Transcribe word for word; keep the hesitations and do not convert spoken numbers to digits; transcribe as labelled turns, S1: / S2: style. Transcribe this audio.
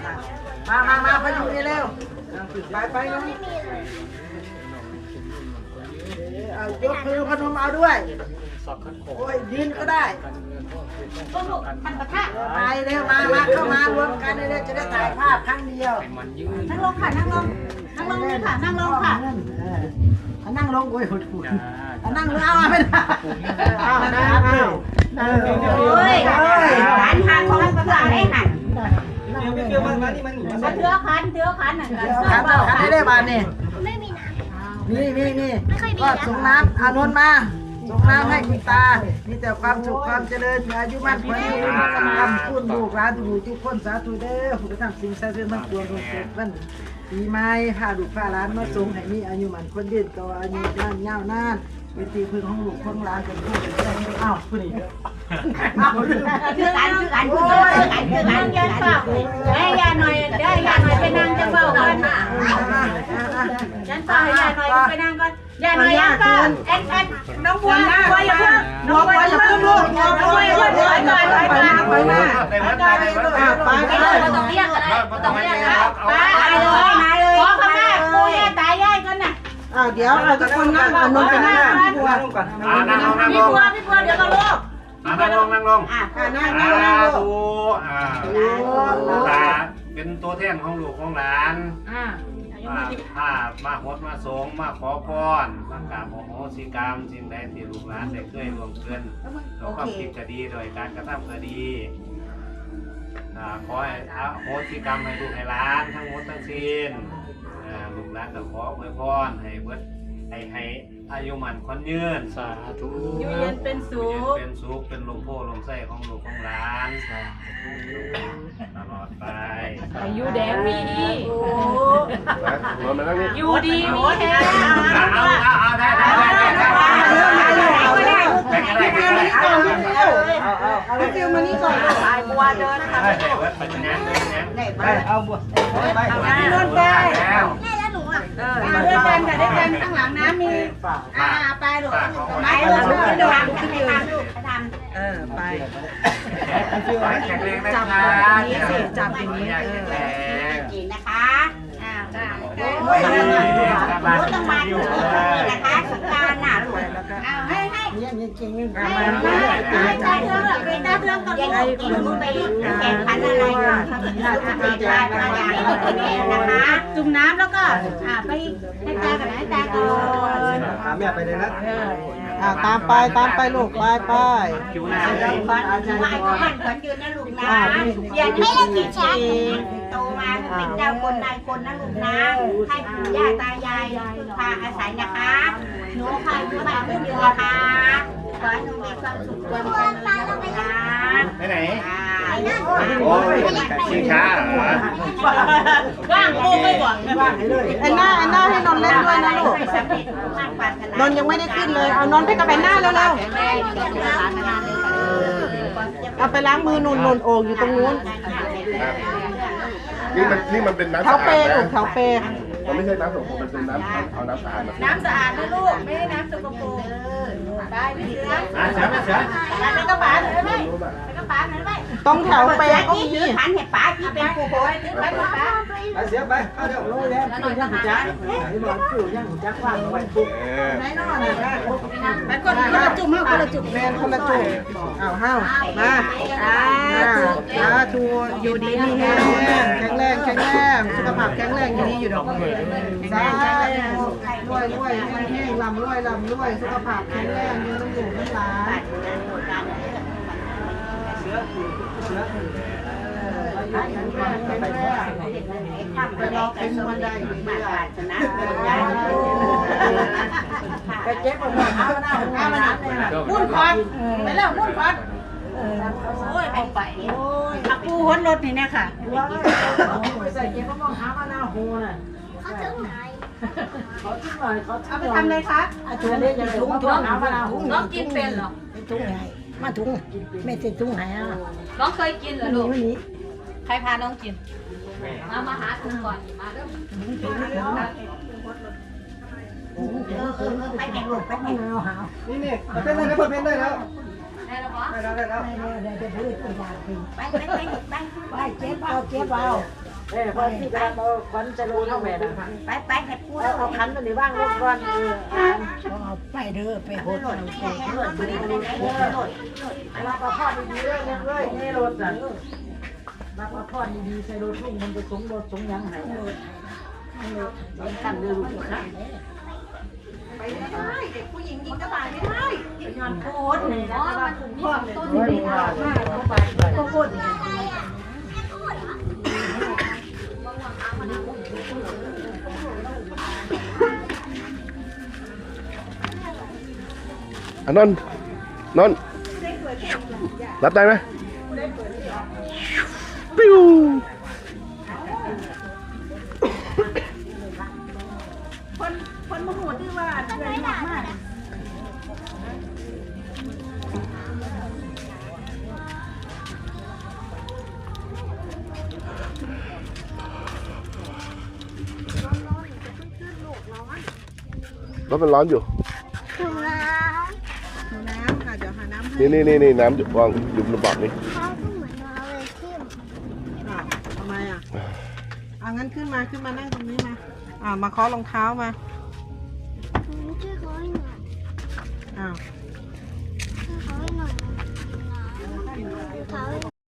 S1: มามามาพยุงนี่เร็วไปไปน้องเอายกมือพนมเอาด้วยโอ้ยยืนก็ได้
S2: ก็ลูกมันกระทะ
S1: ไปเร็วมามาเข้ามารวมกันเร็วจะได้ถ่ายภาพครั้งเดียว
S2: นั่งลงค่ะนั่งลงนั่งลงเลยค่ะนั่งลงค่ะ
S1: นั่งลงโอ้ยหุดหุดนั่งลงเอาไม่ได้เอาได้เอา
S2: โอ้ยร้านทางของภาษาได้หัน
S3: เดี๋ยวมันมานี่มัน
S2: เถื่อคันเถื่อคันหนึ่งกัน
S1: คันคันได้ได้บานนี่ไม่มีน้ำนี่นี่นี่ก็ส่งน้ำอานนท์มาส่งน้ำให้คุณตามีแต่ความสุขความเจริญอายุมั่นขวัญยืนทำคุณลูกหลานทุกทุกคนสาธุเด้อผู้ทำสิ่งศักดิ์สิทธิ์ทั้งปวงทุกคนปีใหม่พาลูกพาหลานมาส่งให้มีอายุมั่นขวัญยืนก็อายุนานยาวนานเป็นที่พึ่งของลูกของหลานเป็นผู้เป็นแม่อ้าวผู้นี้อ้าวคือ
S2: กันคือกันคือกันคือกันยันเฝ้าไอ้ยาหน่อยได้ยาหน่อยไปนั่งจะเฝ้ากันยันเฝ้าให้ยาหน่อยไปนั่งก่อนยาหน่อยยันเฝ้าแอนแอนน้องบัวบัวอย่าเพิ่งน้องบัวอย่าเพิ่งลูกน้องบัวอย่าเพิ่งถอยก่อนถอยก่อนไปมาไปไปไปไม่ต้องเรียกอะไรไม่ต้องเรียกแล้วไปเลยมาเลยขอขมาปู่ย่าตายายกันน่ะ
S1: อ้าวเดี๋ยวเราทุกคนนั่งอานนท์ไปนั่งบัวก่อน
S4: นั่งลงนั่งลง
S2: พี่บัวพี่บัวเดี๋ยวก็ลูก
S4: นั่งลงนั่งลง
S2: อ่า
S1: นั่งนั่งนั่ง
S4: ดูอ่าลูกหลานเป็นตัวแทนของลูกของหลาน
S2: อ่า
S4: ถ้ามาหดมาสงมาขอพรมากราบโหสิกรรมสิ่งใดที่ลูกหลานได้เคยร่วมเกินต่อความคิดก็ดีโดยการกระทำก็ดีขอให้โหสิกรรมให้ลูกให้หลานทั้งหมดทั้งสิ้นลูกหลานก็ขออวยพรให้เบิดให้ให้อายุมันคนยืนสาธุ
S2: อยู่เย็นเป็นสุข
S4: เป็นสุขเป็นลมโพลมไส้ของลูกของหลานตลอดไป
S2: อายุแดงมีดีอยู่ดีมีแฮง
S4: เอาเอาเอาได้ได้ได้ได้ได้ได้ได้
S1: เอาเอาเอาเอาฟิวมานี่ก่อนไอ้บัวเดินค่ะ
S4: ได้เบิดไปงานเดินงาน
S1: ไปเอาบัวไปเอา
S2: น้ำนนไปแล้วหนูอ่ะเออด้วยกันค่ะด้วยกันข้างหลังน้ำมีอ่าไปหนูไปหนูขึ้นดูขึ้นยืนทำเออไป
S4: แข็งแรงนะ
S1: จับอย่างนี้สิจับอย่างนี้เออ
S2: กินนะคะอ่าได้โอ้ยต้องมาอยู่นะคะสงการหนาหลวงเอาให้ให้
S1: เนี่ยเนี่ยเก่งเลย
S2: ให้ให้ตาเทืองไปตาเทืองกับลูกกินมือไปแข่งขันอะไรกันได้มาอย่างนี้นะคะจุ่มน้ำแล้วก็อ่าไปให้ตากับให้ตาก่อน
S3: ถามแม่ไปเลยนะ
S1: อ่าตามไปตามไปลูกไปไป
S4: คิวหน้า
S2: บ้านบ้านบ้านขวัญยืนนะลูกนะอย่าให้เรากินช้าโตมาเป็นเจ้าคนนายคนนะลูกนะให้ปู่ย่าตายายพาอาศัยนะคะหนูพาอยู่บ้านคนเดียวนะคะขอให้หนูมีความสุขความเจริญนะ
S4: ไปไหนโอ้ยชิงช้าเหรอ
S2: ว่างโอ้ไม่หวัง
S1: ไอ้หน้าไอ้หน้าให้นนเล่นด้วยนะลูกนนยังไม่ได้ขึ้นเลยเอานนไปกับไอ้หน้าเร็วๆเอาไปล้างมือนนนโอ่งอยู่ตรงนู้น
S5: นี่มันนี่มันเป็นน้ำ
S1: เท้า
S5: สะอาด
S1: เปลูกเท้าเป
S5: มันไม่ใช่น้ำสกปรกมันเป็นน้ำเอาน้ำสะอาดมา
S2: น้ำสะอาดนะลูกไม่ใช่น้ำสกปรกไปพี่เสือ
S4: เสือเสือ
S2: ไปกระป๋าหน่อยไหมไปกระป๋าหน่อยไหม
S1: ต้องแถวเปก็มี
S2: ถือขันเห็ดป๋าที่เป็นผู้โหยถือไปกระป๋า
S3: ไปเสียไปเอาเดี๋ยว
S1: โรยแล้วคือยังจักไอ้บอลคือยังจักว่างไว้ปุ๊บไหนนอนเลย
S2: ไปกดคนละจุ่มห้าคนละจุ่ม
S1: แมนคนละจุ่มอ้าวห้าวมาอ่าทูอยู่ดีมีแรงแข็งแรงแข็งแรงสุขภาพแข็งแรงอยู่ดีอยู่ดอกสาธุรวยรวยแห้งลำรวยลำรวยสุขภาพแข็งแรงยืนอยู่ทั้งหลายไปรอเป็นวันใดไปเจ็บปวดขาหน้าหน้ามันมุ่นควันไปแล้วมุ่นควัน
S2: โอ้ยไปไปโอ้ยขับปูหัวรถนี่เนี่ยค่ะ
S1: ไปใส่เจ็บก็มองหามาหน้าหูน่ะเขาถึงไหนเขาถึงไหนเขาเอาไปทำเลยคะถุงนี้จะถุงถุงหามาหน้าหู
S2: น้องกินเป็นเหรอ
S1: ถุงไหนมาถุงไม่ใช่ถุงไหนอ่ะ
S2: น้องเคยกินเหรอลูกใครพาน้องกินมามาหาถุงก่อนมาเริ่มไปแข่งลูกไปแข่งเอาหา
S3: นี่นี่เป็นได้แล้วเพิ่มได้แล้ว
S2: ได้แล้วปะ
S3: ได้แล้วได้แล้ว
S1: ได้ได้ได้พูดไปยาไป
S2: ไปไปไปไป
S1: ไปเจ็บเอาเจ็บเอาเอ้ยพอที่กำลังเอาขวัญจะรู้เท่าแม่นะ
S2: ไปไปให้พูด
S1: เอาเอาขันตัวนี้ว่างลงก่อนเออ
S6: เอาไปเด้อไปโหด
S2: หล่นหล่นหล่นหล่นหล่นหล่น
S1: รับประพอดีๆเรื่องยังเลยนี่รถน่ะรับประพอดีๆใส่รถลุงมันจะสงรถสงยังไงกันเดือดค่ะ
S2: ไปไม่ได้เด็กผู้หญิงยิงกระต่ายไม่ได้ย้อนโคตรเลยนะว่าคุณพ่อเลยต้นนี้ค่ะก็โคตร
S5: อ่ะนนท์นนท์รับได้ไหมปิ้ว
S2: คนคนมโหดที่ว่าเดินมากมาก
S5: รถมันร้อนอยู่
S6: ถุงน้ำค่ะเดี๋ยวหาน้ำให้
S5: นี่นี่นี่นี่น้ำอยู่วางอยู่บนบอกนี่
S6: เขาก็เหมือนเราเลยที่
S7: อ่ะทำไมอ่ะอ่ะงั้นขึ้นมาขึ้นมานั่งตรงนี้มา อ่ามาเคาะรองเท้ามา
S6: ช่วยเขาให้หน่อย
S7: อ้าว
S6: ช่วยเขาให้หน่อยเขาให้หน่อย